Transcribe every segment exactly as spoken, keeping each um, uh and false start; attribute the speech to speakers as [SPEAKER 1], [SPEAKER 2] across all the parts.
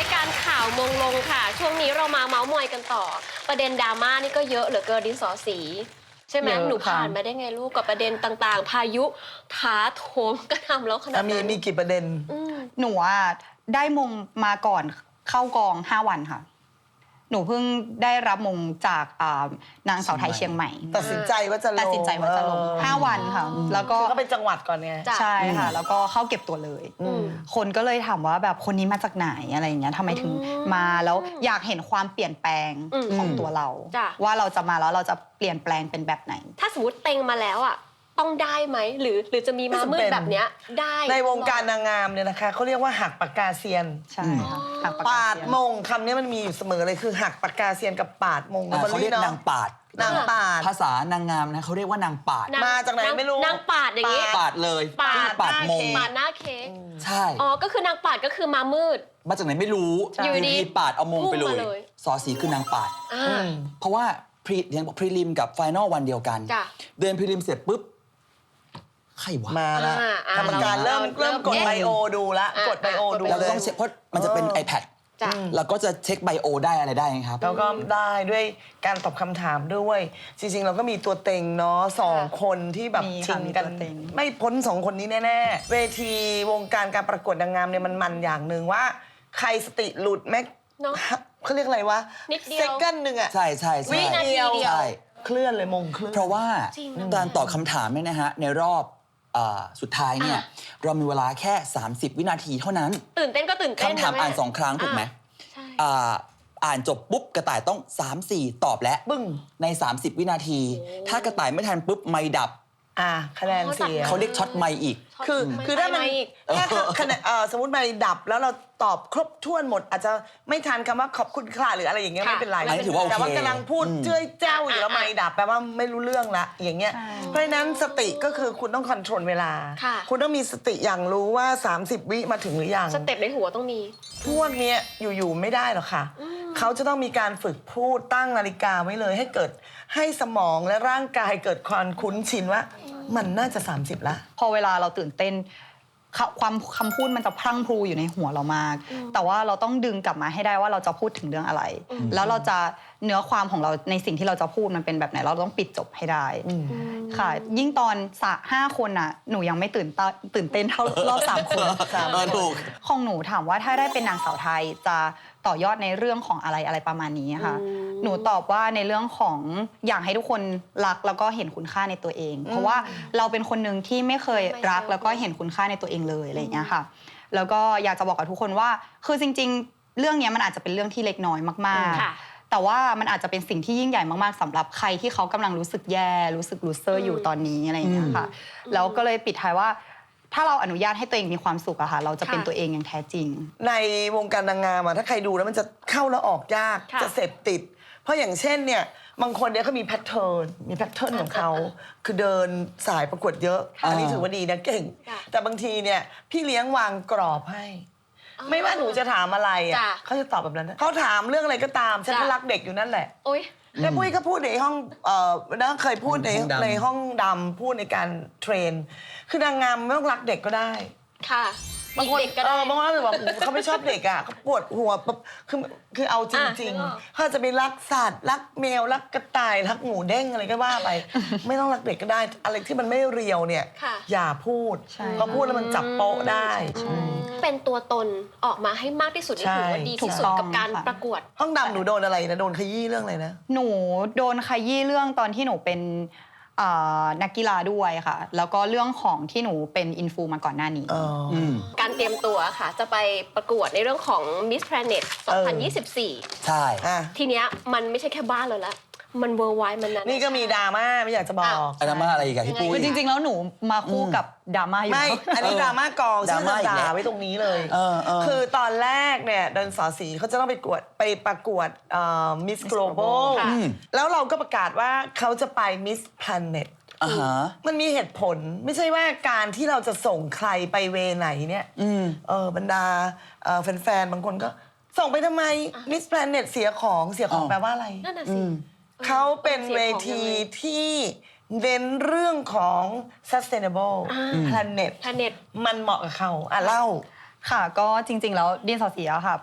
[SPEAKER 1] ายการข่าวมงลงค่ะช่วงนี้เรามาเมาส์มอยกันต่อประเด็นดราม่านี่ก็เยอะเหลือเกินดินสอสีใช่ไหมหนูผ่านมาได้ไงลูกกับประเด็นต่างๆพายุท้าโถมกระทำแล้วขนาดนั้น
[SPEAKER 2] มีมีกี่ประเด็น
[SPEAKER 3] หนูอ่ะได้มงมาก่อนเข้ากองห้าวันค่ะหนูเพิ่งได้รับมงจากนางสาวไทยเชียงใหม่
[SPEAKER 2] ตัดสินใจว่าจะลง
[SPEAKER 3] ตัดสินใจว่าจะลงห้าวันค่ะแล้วก็
[SPEAKER 2] ก็เป็นจังหวัดก่อนไง
[SPEAKER 3] ใช่ค่ะแล้วก็เข้าเก็บตัวเลยคนก็เลยถามว่าแบบคนนี้มาจากไหนอะไรอย่างเงี้ยทำไมถึงมาแล้วอยากเห็นความเปลี่ยนแปลงของตัวเราว่าเราจะมาแล้วเราจะเปลี่ยนแปลงเป็นแบบไหน
[SPEAKER 1] ถ้าสมมติเต็งมาแล้วอ่ะต้องได้ไหมหรือหรือจะมีมามืดแบบเนี้ยได้
[SPEAKER 2] ในวงการนางงามเนี่ยนะคะเขาเรียกว่าหักปากกาเซียน
[SPEAKER 3] ใช่ค่ะหักปาก
[SPEAKER 2] ก
[SPEAKER 3] า
[SPEAKER 2] ปาดมงคำนี้มันมีอยู่เสมอเลยคือหักปากกาเซียนกับปาดมง
[SPEAKER 4] เขาเรียกนางปาด
[SPEAKER 2] นางปาด
[SPEAKER 4] ภาษานางงามนะเขาเรียกว่านางปาด
[SPEAKER 2] มาจากไหนไม่รู้
[SPEAKER 1] นางปาดอย่างนี้
[SPEAKER 4] ปาดเลย
[SPEAKER 1] ปาด
[SPEAKER 4] ปาดมง
[SPEAKER 1] ปาดหน้าเค้ก
[SPEAKER 4] ใช่
[SPEAKER 1] อ๋อก็คือนางปาดก็คือมามืด
[SPEAKER 4] มาจากไหนไม่รู้
[SPEAKER 1] อยู่ดี
[SPEAKER 4] ปาดเอามงไปเลยสอสีคือนางปาดเพราะว่าพรีเรียนบอกพรีลิมกับไฟนอลวันเดียวกันเดินพรีลิมเสร็จปุ๊บใครวะ
[SPEAKER 2] มาแล้วกรรมการเริ่มเริ่มกดไบโอดูละกดไบโอดู
[SPEAKER 4] เราต้องเช็คเพราะมันจะเป็น iPad แล้วก็จะเช็คไบโอได้อะไรได้ครับ
[SPEAKER 2] แล้วก็ได้ด้วยการตอบคำถามด้วยจริงๆเราก็มีตัวเต็งเนาะสองคนที่แบบชิงกันไม่พ้นสองคนนี้แน่ๆเวทีวงการการประกวดนางงามเนี่ยมันมันอย่างหนึ่งว่าใครสติหลุดแม็กเขาเรียกอะไรวะเซกันหนึ่งอะ
[SPEAKER 4] ใช่ใช่ใช่
[SPEAKER 1] วินาทีเดียว
[SPEAKER 2] เคลื่อนเลยมงเคลื่อน
[SPEAKER 4] เพราะว่าการตอบคำถามเนี่ยนะฮะในรอบสุดท้ายเนี่ยเรามีเวลาแค่สามสิบวินาทีเท่านั้น
[SPEAKER 1] ตื่นเต้นก็ตื่นเต้น
[SPEAKER 4] คำถามอ่านสองครั้งถูกไหมอ่านจบปุ๊บกระต่ายต้อง สามสี่ ตอบแล้วบึ้งในสามสิบวินาทีถ้ากระต่ายไม่ทันปุ๊บไมค์ดับ
[SPEAKER 2] อ่าคะแนนเสีย
[SPEAKER 4] เขาเรียกช็อตไมค์อีก
[SPEAKER 2] คือคือถ้ามันถ้าคะแนนสมมติไมค์ดับแล้วเราตอบครบถ้วนหมดอาจจะไม่ทันคำว่าขอบคุณค่ะหรืออะไรอย่างเงี้ยไม่เป็นไรแต่ว่ากำลังพูดเจ้ยเจ้าอยู่แล้วไมค์ดับแปลว่าไม่รู้เรื่องละอย่างเงี้ยเพราะฉะนั้นสติก็คือคุณต้องคอนโทรลเวลาคุณต้องมีสติอย่างรู้ว่าสามสิบวิมาถึงหรือยัง
[SPEAKER 1] สเต็ปในหัวต้องมี
[SPEAKER 2] พวกเนี้ยอยู่ๆไม่ได้หรอกค่ะเขาจะต้องมีการฝึกพูดตั้งนาฬิกาไว้เลยให้เกิดให้สมองและร่างกายเกิดความคุ้นชินว่ามันน่าจะสามสิบละ
[SPEAKER 3] พอเวลาเราตื่นเต้นความคำพูดมันจะพรั่งพรูอยู่ในหัวเรามากแต่ว่าเราต้องดึงกลับมาให้ได้ว่าเราจะพูดถึงเรื่องอะไรแล้วเราจะเนื้อความของเราในสิ่งที่เราจะพูดมันเป็นแบบไหนเราต้องปิดจบให้ได้ค่ะยิ่งตอนสะห้าคนอ่ะหนูยังไม่ตื่นตื่นเต้นเท่ารอบสามคนของหนูถามว่าถ้าได้เป็นนางสาวไทยจะต่อยอดในเรื่องของอะไรอะไรประมาณนี้ค่ะหนูตอบว่าในเรื่องของอยากให้ทุกคนรักแล้วก็เห็นคุณค่าในตัวเองเพราะว่าเราเป็นคนหนึ่งที่ไม่เคยรักแล้วก็เห็นคุณค่าในตัวเองเลยอะไรอย่างเงี้ยค่ะแล้วก็อยากจะบอกกับทุกคนว่าคือจริงๆเรื่องนี้มันอาจจะเป็นเรื่องที่เล็กน้อยมากๆแต่ว่ามันอาจจะเป็นสิ่งที่ยิ่งใหญ่มากๆสำหรับใครที่เขากำลังรู้สึกแย่รู้สึกลูเซอร์อยู่ตอนนี้อะไรอย่างเงี้ยค่ะแล้วก็เลยปิดท้ายว่าถ้าเราอนุญาตให้ตัวเองมีความสุขอะค่ะเราจะเป็นตัวเองอย่างแท้จริง
[SPEAKER 2] ในวงการนางงามอะถ้าใครดูแล้วมันจะเข้าแล้วออกยากจะเสพติดเพราะอย่างเช่นเนี่ยบางคนเนี่ยเขามีแพทเทิร์นมีแพทเทิร์นของเขาคือเดินสายประกวดเยอะอันนี้ถือว่าดีนะเก่งแต่บางทีเนี่ยพี่เลี้ยงวางกรอบให้ไม่ว่าหนูจะถามอะไรอ่ะเขาจะตอบแบบนั้นเขาถามเรื่องอะไรก็ตามฉันก็รักเด็กอยู่นั่นแหละแม่ปุ้ยก็พูดในห้องเอ่อนะเคยพูดในในห้องดำพูดในการเทรนคือนางงามไม่ต้องรักเด็กก็ได้
[SPEAKER 1] ค่ะ
[SPEAKER 2] บางคนเด็กก็ได้บางคนแบบเขาไม่ชอบเด็กอ่ะเขาปวดหัวคือคือเอาจริงๆเขาจะไปรักสัตว์รักแมวรักกระต่ายรักหมูเด้งอะไรก็ว่าไปไม่ต้องรักเด็กก็ได้อะไรที่มันไม่เรียวเนี่ยอย่าพูดเพราะพูดแล้วมันจับโป๊ะได้
[SPEAKER 1] เป็นตัวตนออกมาให้มากที่สุดนี่ถือว่าดีที่สุดกับการประกวด
[SPEAKER 2] ห้องดำหนูโดนอะไรนะโดนขยี้เรื่องอะไรนะ
[SPEAKER 3] หนูโดนขยี้เรื่องตอนที่หนูเป็นนักกีฬาด้วยค่ะแล้วก็เรื่องของที่หนูเป็นอินฟูมาก่อนหน้านี้
[SPEAKER 1] การเตรียมตัวค่ะจะไปประกวดในเรื่องของ Miss Planet สองพันยี่สิบสี่
[SPEAKER 4] ใช่
[SPEAKER 1] ทีเนี้ยมันไม่ใช่แค่บ้านเราละมันเวอร์ไวมันนั้น
[SPEAKER 2] นี่ก็มีดราม่าไม่อยากจะบอก
[SPEAKER 4] ดราม่าอะไรอีกอะพี่ปุ้ย
[SPEAKER 3] จริงๆแล้วหนูมาคู่กับดราม่าอยู่
[SPEAKER 2] ไม่อันนี้ดราม่ากองซึ่งด่าไว้ตรงนี้เลยคือตอนแรกเนี่ยเดินสอสีเขาจะต้องไปประกวดไปประกวดมิสโกลบอลแล้วเราก็ประกาศว่าเขาจะไปมิสแพลเน็ตมันมีเหตุผลไม่ใช่ว่าการที่เราจะส่งใครไปเวไหนเนี่ยเออบรรดาแฟนๆบางคนก็ส่งไปทำไมมิสแพลเน็ตเสียของเสียของแปลว่าอะไร
[SPEAKER 1] นั่นน่ะสิ
[SPEAKER 2] เขาเป็นเวทีที่เน้นเรื่องของ sustainable planet มันเหมาะกับเขาอ่ะเล่า
[SPEAKER 3] ค่ะก็จริงๆแล้วดินสอสีอะค่ะ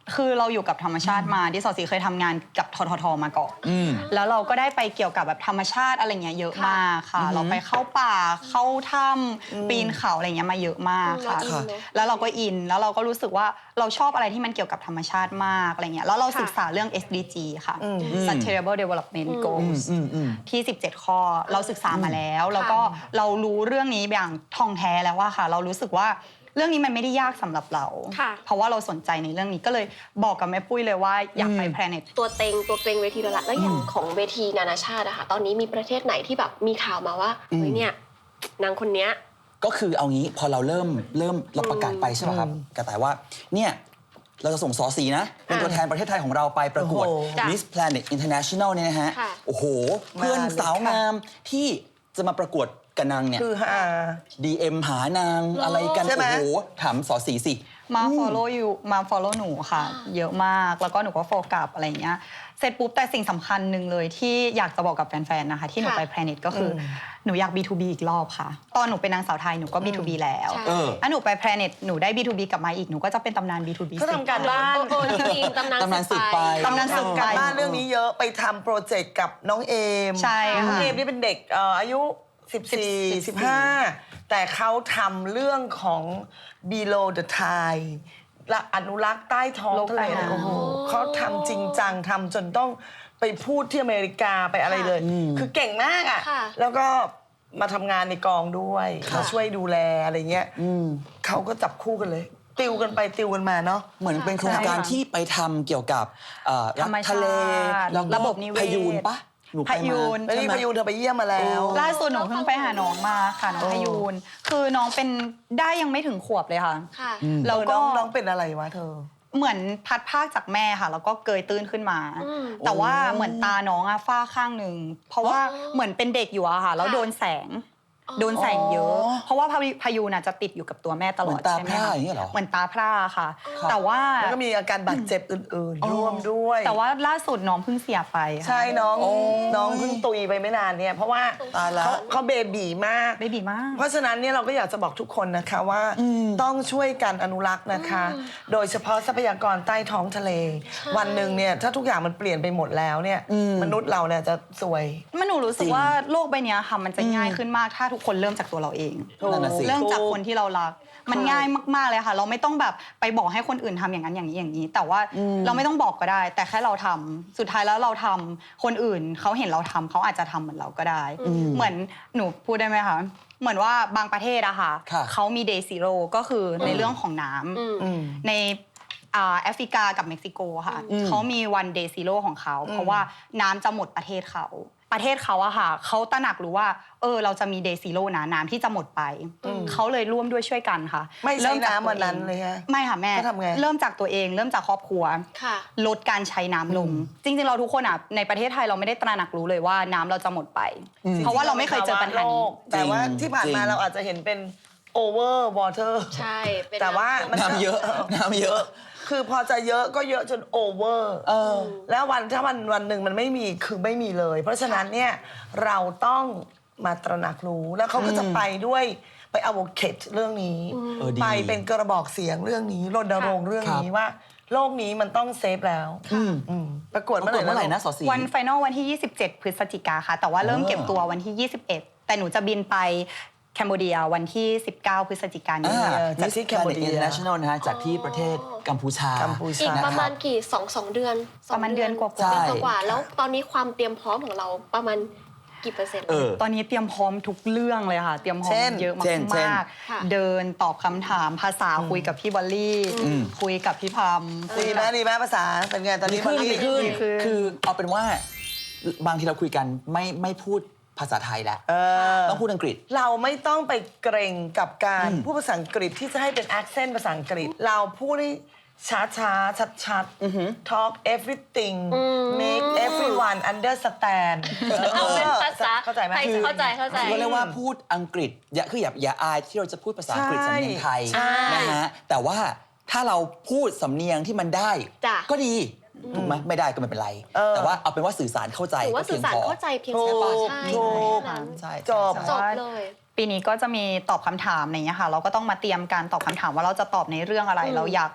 [SPEAKER 3] คือเราอยู่กับธรรมชาติมาที่สอสีเคยทำงานกับทททมาก่อน
[SPEAKER 4] อืม
[SPEAKER 3] แล้วเราก็ได้ไปเกี่ยวกับแบบธรรมชาติอะไรเงี้ยเยอะมากค่ะ เราไปเข้าป่าเข้าถ้ำปีนเขาอะไรเงี้ยมาเยอะมากค่ะ
[SPEAKER 1] อืมเราอินเนอะ
[SPEAKER 3] แล้วเราก็อินแล้วเราก็รู้สึกว่าเราชอบอะไรที่มันเกี่ยวกับธรรมชาติมากอะไรเงี้ยแล้วเราศึกษาเรื่อง เอส ดี จี ค่ะ Sustainable Development
[SPEAKER 4] อืม
[SPEAKER 3] Goals
[SPEAKER 4] อืมอืม
[SPEAKER 3] ที่ สิบเจ็ด ข้อเราศึกษามาแล้ว แล้วก็เรารู้เรื่องนี้อย่างท่องแท้แล้วว่าค่ะ เรารู้สึกว่าเรื่องนี้มันไม่ได้ยากสำหรับเรา
[SPEAKER 1] ค่ะ
[SPEAKER 3] เพราะว่าเราสนใจในเรื่องนี้ก็เลยบอกกับแม่ปุ้ยเลยว่าอยากไป Planet
[SPEAKER 1] ตัวเต็งตัวเต็งเวทีระดับแล้วอย่างของเวทีนานาชาติอะค่ะตอนนี้มีประเทศไหนที่แบบมีข่าวมาว่าเฮ้ยเนี่ยนางคนเนี้ย
[SPEAKER 4] ก็คือเอางี้พอเราเริ่มเริ่มเราประกาศไปใช่ไหมครับกระต่ายว่าเนี่ยเราจะส่งสอสีนะ เป็นตัวแทนประเทศไทยของเราไปประกวด
[SPEAKER 2] โอ้โห
[SPEAKER 1] จ้ะ
[SPEAKER 4] Miss Planet International เนี่ยนะฮะ
[SPEAKER 1] ค่ะ
[SPEAKER 4] โอ้โห เพื่อน
[SPEAKER 2] มาเลย
[SPEAKER 4] สาว
[SPEAKER 2] ค่ะ
[SPEAKER 4] งามที่จะมาประกวดกับนางเนี่ย
[SPEAKER 2] คือฮา
[SPEAKER 4] ดี เอ็ม หานางอะไรกัน
[SPEAKER 2] ใช่ไหม
[SPEAKER 4] โอ้โหถามสอสีสิ
[SPEAKER 3] มา follow you มา follow หนูค่ะ เยอะมากแล้วก็หนูก็โฟกัสอะไรอย่างเงี้ยเสร็จปุ๊บแต่สิ่งสำคัญหนึ่งเลยที่อยากจะบอกกับแฟนๆนะคะที่หนู
[SPEAKER 1] ค่ะ
[SPEAKER 3] ไป Planet ก็คืออหนูอยาก บี ทู บี อีกรอบค่ะ ตอนหนูเป็นนางสาวไทยหนูก็ บี ทู บี แล้ว
[SPEAKER 1] ใช่
[SPEAKER 4] เออ
[SPEAKER 3] ถ้าหนูไป Planet หนูได้ บี ทู บี กลับมาอีกหนูก็จะเป็นตำนาน บี ทู บี
[SPEAKER 2] เขาทำการบ้าน
[SPEAKER 1] โอ้โหจริงๆตำนาน
[SPEAKER 4] ตำนานสืบไป
[SPEAKER 3] ตำนานสืบไป
[SPEAKER 2] การบ้านเรื่องนี้เยอะไปทำโปรเจกต์กับน้องเอม
[SPEAKER 3] ใช่ค่ะ
[SPEAKER 2] น้องเอมนี่เป็นเด็กเอ่ออายุ สิบสี่ สิบห้า แต่เขาทำเรื่องของ below the tide และอนุรักษ์ใต้ท้องทะเล
[SPEAKER 3] โลกใต้น้ำ
[SPEAKER 2] โอ้โหเขาทำจริงจังทำจนต้องไปพูดที่อเมริกาไปอะไรเลย คือเก่งมากอ่ะ
[SPEAKER 1] ค่ะ
[SPEAKER 2] แล้วก็มาทำงานในกองด้วย
[SPEAKER 1] ค่ะ
[SPEAKER 2] มาช่วยดูแลอะไรเงี้ยเขาก็จับคู่กันเลย ติวกันไปติวกันมาเนาะ
[SPEAKER 4] เหมือนเป็นโครงการ
[SPEAKER 3] ใช่ค่ะ
[SPEAKER 4] ที่ไปทำเกี่ยวกับเอ่อ
[SPEAKER 3] ธรรมชาติ
[SPEAKER 4] ทะเลแล้วก็
[SPEAKER 3] ระบบนิเวศ
[SPEAKER 4] พยูนปะหนูไป
[SPEAKER 3] พยู
[SPEAKER 4] มาน
[SPEAKER 2] แล้วนี่พายุเธอไปเยี่ยมมาแล้ว
[SPEAKER 3] ล่าสุดหนูเพิ่งไปหาน้องมาค่ะน้องพยูนคือน้องเป็นได้ยังไม่ถึงขวบเลยค่ะ
[SPEAKER 1] ค่ะ
[SPEAKER 3] แล้ว
[SPEAKER 2] เออ
[SPEAKER 3] ก็
[SPEAKER 2] น้องน้องเป็นอะไรวะเธอ
[SPEAKER 3] เหมือนพัดภาคจากแม่ค่ะ แล้วก็เกยตื้นขึ้นมา
[SPEAKER 1] อืม
[SPEAKER 3] แต่ว่าเหมือนตาน้องอะฝ้าข้างหนึ่งเพราะว่าเหมือนเป็นเด็กอยู่อะค่ะ แล้ว
[SPEAKER 1] ค่ะ
[SPEAKER 3] โดนแสง โดนแสงเยอะ
[SPEAKER 4] อ๋อ
[SPEAKER 3] เพราะว่าพายุพายุน่ะจะติดอยู่กับตัวแม่ตลอด
[SPEAKER 4] เหมือนตา
[SPEAKER 3] ใช่ไหม
[SPEAKER 4] พร่า
[SPEAKER 3] คะ
[SPEAKER 4] อย่างเงี้ยเหรอ
[SPEAKER 3] เหมือนตาพร่าค่ะ
[SPEAKER 4] ครับ
[SPEAKER 3] แต่ว่า
[SPEAKER 2] แล้วก็มีอาการบาดเจ็บอื่นๆ ร่วมด้วย
[SPEAKER 3] แต่ว่าล่าสุดน้องเพิ่งเสียไปค่ะ
[SPEAKER 2] ใช่น้อง
[SPEAKER 4] โอ้ย
[SPEAKER 2] น้องเพิ่งตุยไปไม่นานเนี่ยเพราะว่า
[SPEAKER 4] ตายละ
[SPEAKER 2] เขาเขาเบบีมาก
[SPEAKER 3] เบบีมาก
[SPEAKER 2] เพราะฉะนั้นเนี่ยเราก็อยากจะบอกทุกคนนะคะว่าต้องช่วยกันอนุรักษ์นะคะ โดยเฉพาะทรัพยากรใต้ท้องทะเล วันหนึ่งเนี่ยถ้าทุกอย่างมันเปลี่ยนไปหมดแล้วเนี่ยมนุษย์เราเนี่ยจะสวย
[SPEAKER 3] มันหนูรู้สึกว่าโลกใบเนี้ยค่ะมันจะง่ายขึ้นมากถ้าทุกคนเริ่มจากตัวเราเอง
[SPEAKER 4] นั่นน่ะสิ
[SPEAKER 3] เริ่มจากคนที่เรารัก มันง่ายมากๆเลยค่ะ เราไม่ต้องแบบไปบอกให้คนอื่นทำอย่างนั้นอย่างนี้อย่างนี้ แต่ว่าเราไม่ต้องบอกก็ได้ แต่แค่เราทำสุดท้ายแล้วเราทำคนอื่นเขาเห็นเราทำเขาอาจจะทำเหมือนเราก็ได้ เหมือนหนูพูดได้ไหมคะเหมือนว่าบางประเทศอะค่ะ
[SPEAKER 4] ค่ะ
[SPEAKER 3] เขามี day zero ก็คือในเรื่องของน้ำในอ่าแอฟริกากับเม็กซิโกค่ะเขามีวัน day zero ของเขา เพราะว่าน้ำจะหมดประเทศเขา ประเทศเขาอะค่ะเขาตระหนักรู้ว่าเออเราจะมี day zero นะน้ำที่จะหมดไป เขาเลยร่วมด้วยช่วยกันค่ะ
[SPEAKER 2] ไม่ใช้
[SPEAKER 3] เริ่จาก
[SPEAKER 2] น้ำวันนั้น
[SPEAKER 3] ตัวอง
[SPEAKER 2] เลยฮะ
[SPEAKER 3] ไม่ค่ะแม่
[SPEAKER 2] เขาทำไง
[SPEAKER 3] เริ่มจากตัวเอง เริ่มจากครอบครัว
[SPEAKER 1] ค่ะ
[SPEAKER 3] ลดการใช้น้ำลง จริงๆเราทุกคนอ่ะในประเทศไทยเราไม่ได้ตระหนักรู้เลยว่าน้ำเราจะหมดไป เพราะว่าเราไม่เคยเจอปัญหานี้
[SPEAKER 2] แต่ว่า
[SPEAKER 4] จริง
[SPEAKER 2] ที่ผ่านมา
[SPEAKER 4] จริง
[SPEAKER 2] เราอาจจะเห็นเป็น over water
[SPEAKER 1] ใช่เป็น
[SPEAKER 2] แต่ว่ามัน
[SPEAKER 4] น้ำเยอะน้ำเยอะ
[SPEAKER 2] คือพอจะเยอะก็เยอะจน over
[SPEAKER 4] เออ
[SPEAKER 2] แล้ววันถ้าวันวันหนึ่งมันไม่มีคือไม่มีเลย เพราะฉะนั้นเนี่ยเราต้องมาตระหนักรู้แล้วเขาก็จะไปด้วยไป advocate เรื่องนี้
[SPEAKER 4] เออดี
[SPEAKER 2] ไปเป็นกระบอกเสียงเรื่องนี้รณรงค์เรื่องนี้ว่าโลกนี้มันต้องเซฟแล้วอืมประกวด
[SPEAKER 4] ป
[SPEAKER 2] เมื่
[SPEAKER 4] ระ
[SPEAKER 2] อก ไห
[SPEAKER 4] ว
[SPEAKER 2] ร่
[SPEAKER 4] ดเมื่อไหร่
[SPEAKER 2] นะ
[SPEAKER 4] นะสอสี
[SPEAKER 3] วันไฟนอลวันที่ ยี่สิบเจ็ด พฤศจิกาค่ะ แต่ว่าเริ่ม
[SPEAKER 4] เออ
[SPEAKER 3] เก็บตัววันที่ ยี่สิบเอ็ด แต่หนูจะบินไปแคนเบเดียวันที่ สิบเก้า พฤศจิกายน
[SPEAKER 4] อ่า
[SPEAKER 2] จาก
[SPEAKER 4] Miss
[SPEAKER 2] ที่
[SPEAKER 4] Planet
[SPEAKER 2] Cambodia
[SPEAKER 4] International นะฮะจากที่ประเทศกัมพูชา
[SPEAKER 2] กัมพูชา
[SPEAKER 1] อีก
[SPEAKER 4] นะ
[SPEAKER 1] ประ
[SPEAKER 4] ค
[SPEAKER 1] มา
[SPEAKER 4] รั
[SPEAKER 1] ณ
[SPEAKER 4] บ
[SPEAKER 1] กี่สองสองเดือนสอง
[SPEAKER 3] ประมาณเดือนกว่าๆ
[SPEAKER 1] เดือน
[SPEAKER 4] ใช่
[SPEAKER 1] กว่าๆแล้วตอนนี้ความเตรียมพร้อมของเราประมาณกี่เปอร์เซ็นต์
[SPEAKER 4] เออ
[SPEAKER 3] ตอนนี้เตรียมพร้อมทุกเรื่องเลยค่ะ เตรียมพร้อ
[SPEAKER 2] เช่
[SPEAKER 3] ม
[SPEAKER 2] น
[SPEAKER 3] เยอะ
[SPEAKER 4] เช่นเช่น
[SPEAKER 3] มาก
[SPEAKER 1] ค่ะ
[SPEAKER 3] ๆเดินตอบคำถามภาษาคุยกับพี่บอลลี่ คุยกับพี่พัม
[SPEAKER 2] ดีไหมดีไหมภาษาเป็นไงตอนนี้
[SPEAKER 4] ขึ้น
[SPEAKER 2] บอลลี่
[SPEAKER 4] ดีขึ้น
[SPEAKER 3] ดีขึ้น
[SPEAKER 4] คือเอาเป็นว่าบางทีเราคุยกันไม่ไม่พูดภาษาไทยแล้ว
[SPEAKER 2] เออ
[SPEAKER 4] ต้องพูดอังกฤษ
[SPEAKER 2] เราไม่ต้องไปเกรงกับการ
[SPEAKER 4] อืม
[SPEAKER 2] พูดภาษาอังกฤษที่จะให้เป็น accent ภาษาอังกฤษ เราพูดให้ช้าช้าชัดชัดๆ talk everything make everyone understand
[SPEAKER 1] เอาเป็นภาษา
[SPEAKER 2] เข้าใจไหม
[SPEAKER 1] ไทยเข้าใจเข้าใจ
[SPEAKER 4] คือเรียกว่าพูดอังกฤษอย่าคืออย่าอย่าอายที่เราจะพูดภาษาอังกฤษ
[SPEAKER 2] ใช่
[SPEAKER 4] สำเนียงไทย
[SPEAKER 2] ใช่
[SPEAKER 4] นะฮะแต่ว่าถ้าเราพูดสำเนียงที่มันได้
[SPEAKER 1] จ้ะ
[SPEAKER 4] ก็ดีถูกไหมไม่ได้ก็ไม่เป็นไร แต่ว่าเอาเป็นว่าสื่อสารเข้าใจ
[SPEAKER 1] ถือว่า
[SPEAKER 4] ก็
[SPEAKER 1] สื่
[SPEAKER 4] เพี
[SPEAKER 1] อย
[SPEAKER 4] ง
[SPEAKER 1] สาร
[SPEAKER 4] พอ
[SPEAKER 1] เข้าใจเพียง
[SPEAKER 2] ถู
[SPEAKER 1] แค่
[SPEAKER 2] ก
[SPEAKER 1] ใช่
[SPEAKER 2] ถูก
[SPEAKER 1] แค่นั้น
[SPEAKER 4] ใช่
[SPEAKER 2] จบ
[SPEAKER 4] ใช่
[SPEAKER 1] จ
[SPEAKER 4] ใช่
[SPEAKER 1] บเลย
[SPEAKER 3] ปีนี้ก็จะมีตอบคำถามอะไรอย่างเงี้ยค่ะ เราก็ต้องมาเตรียมการตอบคำถามว่าเราจะตอบในเรื่องอะไร เราอยาก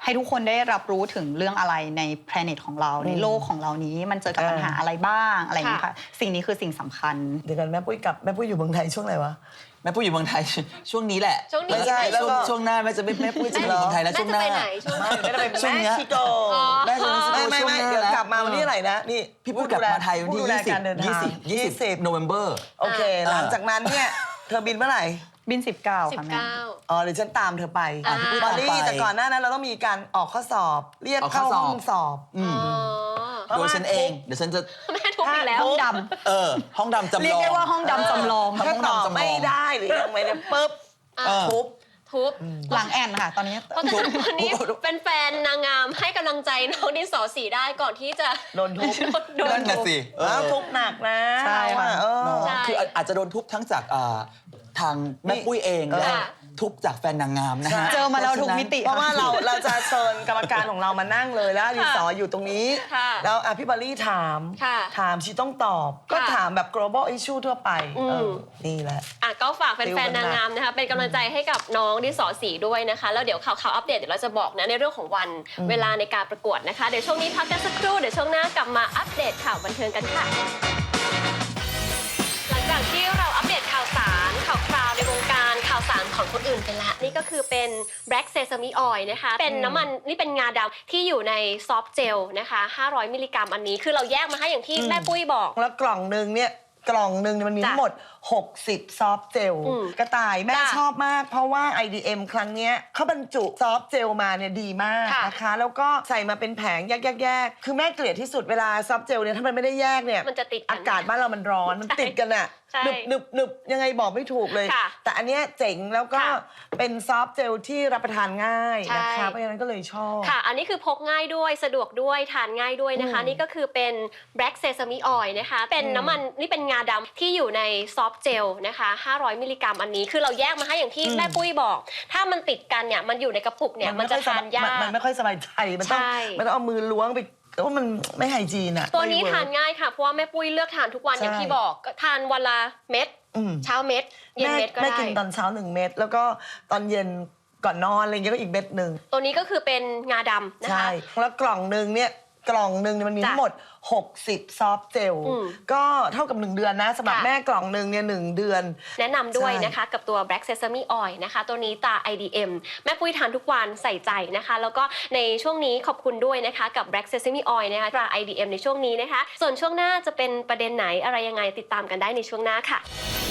[SPEAKER 3] ให้ทุกคนได้รับรู้ถึงเรื่องอะไรใน planet ของเราในโลกของเรานี้มันเจอกับปัญหาอะไรบ้างอะไรอย่างเงี้ยค่ะสิ่งนี้คือสิ่งสำคัญ
[SPEAKER 2] เดี๋ยวกันแม่ปุ้ยกลับแม่ปุ้ยอยู่เมืองไทยช่วงไหนวะ
[SPEAKER 4] แม่ปุ้ยอยู่เมืองไทยช่วงนี้แหละ
[SPEAKER 1] ช่วงนี้
[SPEAKER 2] ไม่ใช่แล้ว
[SPEAKER 4] ช่วง
[SPEAKER 2] ก็
[SPEAKER 4] ช่วงหน้าแม่จะไม่แม่ปุ้ยจะอยู่เมืองไทยแล้วช่วงหน้า
[SPEAKER 1] แม่จะไปไหนช่วงหน้า
[SPEAKER 2] ไม่ได้เป็น
[SPEAKER 4] ช่วง
[SPEAKER 2] แม่
[SPEAKER 4] เนี้ย
[SPEAKER 2] ชิโก
[SPEAKER 4] แม่จะไป
[SPEAKER 2] ไม่ไม่
[SPEAKER 4] ช่วง
[SPEAKER 2] ไม่
[SPEAKER 4] หน้า
[SPEAKER 2] เดี๋ยว
[SPEAKER 4] แล้ว
[SPEAKER 2] กลับมาวันที่อะไรนะนี่
[SPEAKER 4] พี่ปุ้ยกลับมาไทยวันที่
[SPEAKER 2] ผู้ดูแล
[SPEAKER 4] ยี่สิบ
[SPEAKER 2] การเดินทาง
[SPEAKER 4] ยี่สิบยี่สิบโนเวมเบอร์
[SPEAKER 2] โอเค หลังจากนั้นเนี่ยเธอบินเมื่อไหร่
[SPEAKER 3] บินสิบเก้า
[SPEAKER 1] สิบ
[SPEAKER 3] ค่ะแม่
[SPEAKER 1] เก้า
[SPEAKER 2] อ๋อเดี๋ยวฉันตามเธอไป
[SPEAKER 1] อ่า
[SPEAKER 2] บอลลี่แต่ก่อนหน้านั้นเราต้องมีการออกข้อสอบ เรียกเข้าห้องสอบ
[SPEAKER 4] อืม
[SPEAKER 1] อ๋อ
[SPEAKER 4] โดยฉันเองเดี๋ยวฉันจะ
[SPEAKER 1] แม่ทุบอีกแล้ว
[SPEAKER 3] ห้องด
[SPEAKER 4] เออห้องดำจำลอง
[SPEAKER 3] เรียกได้ว่าห้องดำจำลอง
[SPEAKER 4] ทำห้
[SPEAKER 2] ถ้า
[SPEAKER 4] อง
[SPEAKER 2] ตอบ
[SPEAKER 4] ดำจำลอง
[SPEAKER 2] ไม่ได้หรือยังไม่ได้ปุ๊บ
[SPEAKER 1] อ่ะ
[SPEAKER 4] เออ
[SPEAKER 2] ทุบ
[SPEAKER 1] ทุบ
[SPEAKER 3] ำหลังแอนค่ะ ตอนนี้
[SPEAKER 1] เพราะฉะนั้นวันนี้เป็นแฟนนางงามให้กำลังใจน้องดินสอสีได้ก่อนที่จะ
[SPEAKER 2] โดนทุบ
[SPEAKER 1] โดน
[SPEAKER 4] นั่น
[SPEAKER 1] ทุ
[SPEAKER 4] น่ะ
[SPEAKER 1] บ
[SPEAKER 4] สิเออ
[SPEAKER 2] แล้วทุบหนักนะ
[SPEAKER 3] ใช่ค่ะ
[SPEAKER 2] เออ
[SPEAKER 4] เนาะ
[SPEAKER 1] ใช่
[SPEAKER 4] คืออาจจะโดนทุบทั้งจากอ่าทางแม่ปุ้ยเองและ
[SPEAKER 1] ค่ะ
[SPEAKER 4] ทุบจากแฟนนางงามนะฮะ
[SPEAKER 3] เจอมาแล้วทุกมิติ
[SPEAKER 2] เพราะว่าเราเราจะเชิญกรรมการของเรามานั่งเลยแล้วดินสออยู่ตรงนี้
[SPEAKER 1] ค่ะ
[SPEAKER 2] แล้วอ่ะพี่บอลลี่ถาม
[SPEAKER 1] ค่ะ
[SPEAKER 2] ถามชีต้องตอบ ก็
[SPEAKER 1] ค่ะ
[SPEAKER 2] ถามแบบ global issue ทั่วไป
[SPEAKER 1] อืม
[SPEAKER 2] เออนี่แหละ
[SPEAKER 1] อ่ะก็ฝากแฟ
[SPEAKER 2] ติวน กัน
[SPEAKER 1] ๆนางงามนะคะเป็นกำลังใจให้กับน้องดินสอสีด้วยนะคะแล้วเดี๋ยวข่าวข่าวอัปเดตเดี๋ยวเราจะบอกนะในเรื่องของวันเวลาในการประกวดนะคะเดี๋ยวช่วงนี้พักกันสักครู่เดี๋ยวช่วงหน้ากลับมาอัปเดตข่าวบันเทิงกันค่ะ หลังจากที่เราอัปเดตข่าวสารข่าวคราวในวงการข่าวสารของคนอื่นไปแล้วนี่ก็คือเป็น Black Sesame Oil นะคะเป็นน้ำมันนี่เป็นงาดำที่อยู่ในซอฟต์เจลนะคะห้าร้อยมิลลิกรัมอันนี้คือเราแยกมาให้อย่างที่แม่ปุ้ยบอก
[SPEAKER 2] แล้วกล่องหนึ่งเนี่ยกล่องหนึ่งเนี่ยมันมี
[SPEAKER 1] จ้ะ
[SPEAKER 2] ทั้งหมด หกสิบ ซอฟต์เจล
[SPEAKER 1] อืม
[SPEAKER 2] กระต่ายแม่
[SPEAKER 1] จ้ะ
[SPEAKER 2] ชอบมาก เพราะว่า ไอ ดี เอ็ม ครั้งเนี้ยเขาบรรจุซอฟต์เจลมาเนี่ยดีมาก
[SPEAKER 1] ค่ะ
[SPEAKER 2] นะคะ แล้วก็ใส่มาเป็นแผงแยกๆๆคือแม่เกลียดที่สุดเวลาซอฟต์เจลเนี่ยถ้ามันไม่ได้แยกเนี่ย
[SPEAKER 1] มันจะติดกัน
[SPEAKER 2] อากาศบ้านเรามันร้อนมันติดกันอะ
[SPEAKER 1] ใช่
[SPEAKER 2] หนึบหนึบหนึบยังไงบอกไม่ถูกเลย
[SPEAKER 1] ค่ะ
[SPEAKER 2] แต่อันเนี้ยเจ๋งแล้วก็
[SPEAKER 1] ค่ะ
[SPEAKER 2] เป็นซอฟต์เจลที่รับประทานง่าย
[SPEAKER 1] ใช่
[SPEAKER 2] นะคะเพราะฉะนั้นก็เลยชอบ
[SPEAKER 1] ค่ะ อันนี้คือพกง่ายด้วยสะดวกด้วยทานง่ายด้วยนะคะ
[SPEAKER 2] อืม
[SPEAKER 1] นี่ก็คือเป็น Black Sesame Oil นะคะ เป็นน้ำมันนี่เป็นงาดำที่อยู่ในซอฟต์เจลนะคะห้าร้อยมิลลิกรัมอันนี้คือเราแยกมาให้อย่างที่แม่ปุ้ยบอก ถ้ามันติดกันเนี่ยมันอยู่ในกระปุกเนี่ยมันจะ
[SPEAKER 2] ไค่อ
[SPEAKER 1] ทานยาก
[SPEAKER 2] มันไม่ค่อยสบายใจมันต้อง
[SPEAKER 1] ใช่
[SPEAKER 2] มันต้องเอามือล้วงไปแต่ว่ามันไม่ไฮจีนอะ
[SPEAKER 1] ตัวนี้
[SPEAKER 2] ไม่เวิร์ก
[SPEAKER 1] ทานง่ายค่ะเพราะว่าแม่ปุ้ยเลือกทานทุกวัน
[SPEAKER 2] ใช่
[SPEAKER 1] อย่างที่บอกก็ทานวันละเม็ด
[SPEAKER 2] อืม
[SPEAKER 1] เช้าเม็ดเย็น
[SPEAKER 2] แม่
[SPEAKER 1] เม็ดก็
[SPEAKER 2] แม่
[SPEAKER 1] ได้
[SPEAKER 2] กินตอนเช้าหนึ่งเม็ดแล้วก็ตอนเย็นก่อนนอนอะไรเงี้ยก็อีกเม็ดหนึ่ง
[SPEAKER 1] ตัวนี้ก็คือเป็นงาดำนะ
[SPEAKER 2] ใช่
[SPEAKER 1] คะ
[SPEAKER 2] แล้วกล่องหนึ่งเนี่ยกล่องหนึ่งเนี่ยมันมี
[SPEAKER 1] จ้ะ
[SPEAKER 2] ทั้งหมด หกสิบ ซอฟต์เจล
[SPEAKER 1] อืม
[SPEAKER 2] ก็เท่ากับหนึ่งเดือนนะสำหรับ
[SPEAKER 1] ค่ะ
[SPEAKER 2] แม่กล่องหนึ่งเนี่ยหนึ่งเดือน
[SPEAKER 1] แนะนำด้วย
[SPEAKER 2] ใช่
[SPEAKER 1] นะคะกับตัว Black Sesame Oil นะคะ ตัวนี้ตา ไอ ดี เอ็ม แม่ปุ้ยทานทุกวันใส่ใจนะคะ แล้วก็ในช่วงนี้ขอบคุณด้วยนะคะกับ Black Sesame Oil นะคะตรา ไอ ดี เอ็ม ในช่วงนี้นะคะ ส่วนช่วงหน้าจะเป็นประเด็นไหนอะไรยังไงติดตามกันได้ในช่วงหน้าค่ะ